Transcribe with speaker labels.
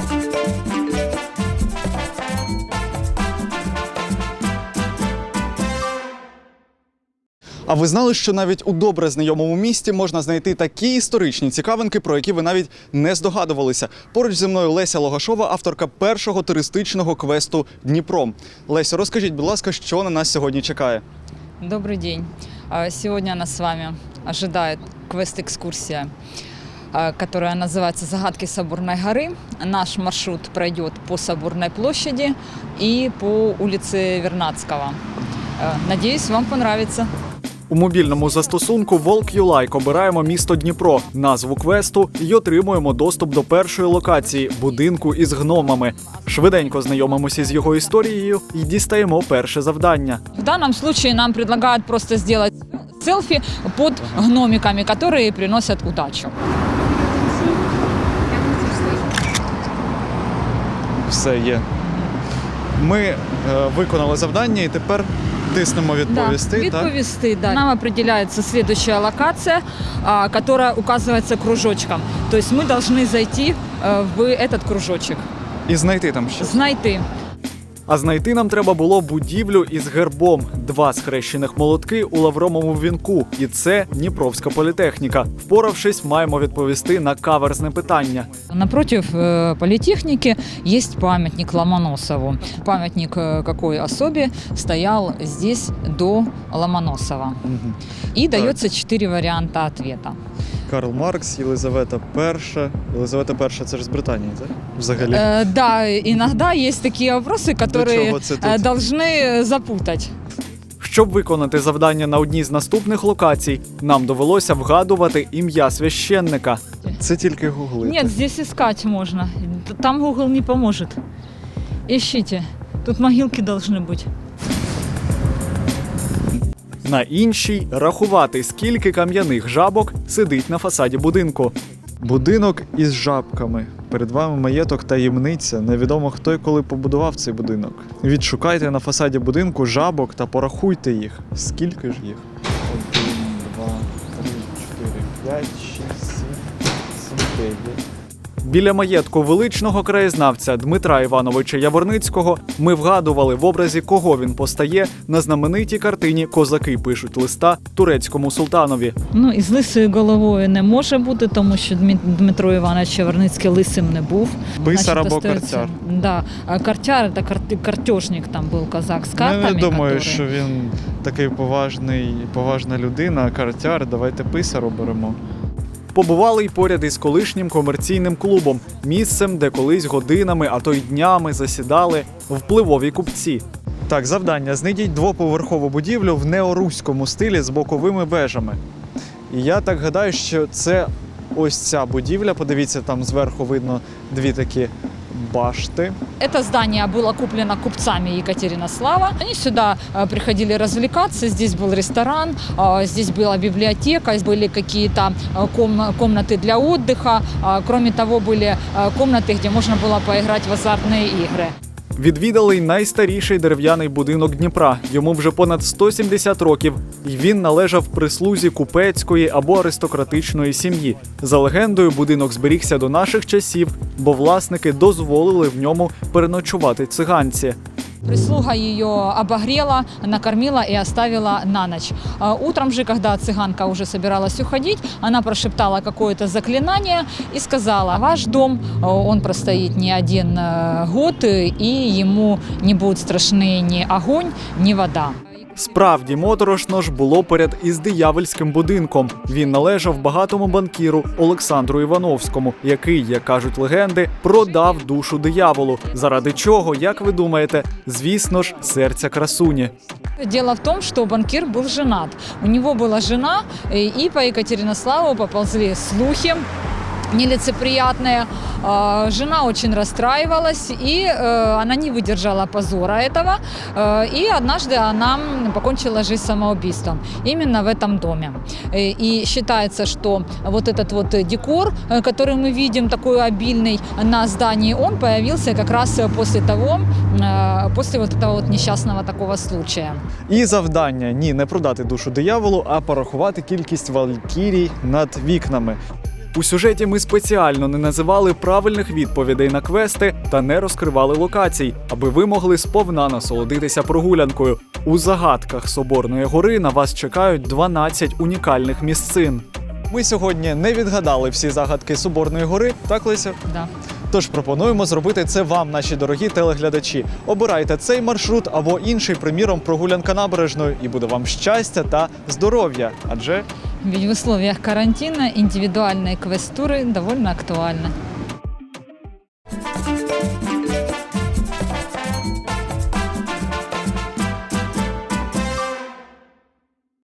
Speaker 1: А ви знали, що навіть у добре знайомому місті можна знайти такі історичні цікавинки, про які ви навіть не здогадувалися? Поруч зі мною Леся Логашова, авторка першого туристичного квесту «Дніпро». Лесю, розкажіть, будь ласка, що на нас сьогодні чекає?
Speaker 2: Добрый день. Сегодня нас с вами ожидает квест-экскурсия, которая называется «Загадки Соборной горы». Наш маршрут пройдет по Соборной площади и по улице Вернадского. Надеюсь, вам понравится.
Speaker 1: У мобільному застосунку Walk обираємо місто Дніпро, назву квесту і отримуємо доступ до першої локації – будинку із гномами. Швиденько знайомимося з його історією і дістаємо перше завдання.
Speaker 2: В данном случае нам предлагают просто сделать селфи под гномиками, которые приносят удачу.
Speaker 1: Все є. Ми виконали завдання і тепер тиснемо «Відповісти».
Speaker 2: Відповісти, да. Нам определяется следующая локация, которая указывается кружочком. То есть мы должны зайти в этот кружочек.
Speaker 1: І знайти там щось.
Speaker 2: Знайти.
Speaker 1: А знайти нам треба було будівлю із гербом. 2 схрещених молотки у лавровому вінку. І це Дніпровська політехніка. Впоравшись, маємо відповісти на каверзне питання.
Speaker 2: Напротив политехники есть памятник Ломоносову. Памятник какой особе стоял здесь до Ломоносова. И дается 4 варианта ответа.
Speaker 1: Карл Маркс, Єлизавета І. Єлизавета І – це ж з Британії, так? Взагалі.
Speaker 2: Да, иногда есть такие вопросы, которые должны запутать.
Speaker 1: Щоб виконати завдання на одній з наступних локацій, нам довелося вгадувати ім'я священника. Це тільки гуглити.
Speaker 2: Нет, здесь искать можно. Там Google не поможет. Ищите. Тут могилки должны быть.
Speaker 1: На іншій – рахувати, скільки кам'яних жабок сидить на фасаді будинку. Будинок із жабками. Перед вами маєток таємниця. Невідомо, хто і коли побудував цей будинок. Відшукайте на фасаді будинку жабок та порахуйте їх. Скільки ж їх? 1, 2, 3, 4, 5, 6, 7, 9. Біля маєтку величного краєзнавця Дмитра Івановича Яворницького ми вгадували, в образі кого він постає на знаменитій картині «Козаки пишуть листа турецькому султанові».
Speaker 2: Ну, із лисою головою не може бути, тому що Дмитро Іванович Яворницький лисим не був.
Speaker 1: Писар або картяр.
Speaker 2: Да. Картяр – це картежник, там був козак з картами.
Speaker 1: Я не думаю, що він такий поважна людина, картяр. Давайте писар оберемо. Побували й поряд із колишнім комерційним клубом, місцем, де колись годинами, а то й днями засідали впливові купці. Так, завдання – знайдіть 2-поверхову будівлю в неоруському стилі з боковими вежами. І я так гадаю, що це ось ця будівля. Подивіться, там зверху видно 2 такі башти.
Speaker 2: Это здание было куплено купцами Екатеринослава. Они сюда приходили развлекаться. Здесь был ресторан, здесь была библиотека, были какие-то комнаты для отдыха. Кроме того, были комнаты, где можно было поиграть в азартные игры.
Speaker 1: Відвідали й найстаріший дерев'яний будинок Дніпра. Йому вже понад 170 років. І він належав прислузі купецької або аристократичної сім'ї. За легендою, будинок зберігся до наших часів, бо власники дозволили в ньому переночувати циганці.
Speaker 2: Прислуга ее обогрела, накормила и оставила на ночь. Утром же, когда цыганка уже собиралась уходить, она прошептала какое-то заклинание и сказала: «Ваш дом, он простоит не 1 год, и ему не будут страшны ни огонь, ни вода».
Speaker 1: Справді моторошно ж було поряд із диявольським будинком. Він належав багатому банкіру Олександру Івановському, який, як кажуть легенди, продав душу дияволу. Заради чого, як ви думаєте? Звісно ж, серця красуні.
Speaker 2: Дело в том, что банкир был женат. У него была жена, и по Екатеринославу поползли слухи нелицеприятные. Жена очень расстраивалась, и она не выдержала позора этого. И однажды она покончила жизнь самоубийством именно в этом доме. И считается, что вот этот вот декор, который мы видим, такой обильный на здании, он появился как раз после вот этого вот несчастного такого случая.
Speaker 1: І завдання – ні, не продати душу дияволу, а порахувати кількість валькірій над вікнами. У сюжеті ми спеціально не називали правильних відповідей на квести та не розкривали локацій, аби ви могли сповна насолодитися прогулянкою. У загадках Соборної гори на вас чекають 12 унікальних місцин. Ми сьогодні не відгадали всі загадки Соборної гори, так, Леся?
Speaker 2: Да.
Speaker 1: Тож пропонуємо зробити це вам, наші дорогі телеглядачі. Обирайте цей маршрут або інший, приміром, прогулянка набережною, і буде вам щастя та здоров'я. Адже
Speaker 2: Ведь в условиях карантина индивидуальные квестуры довольно актуальны.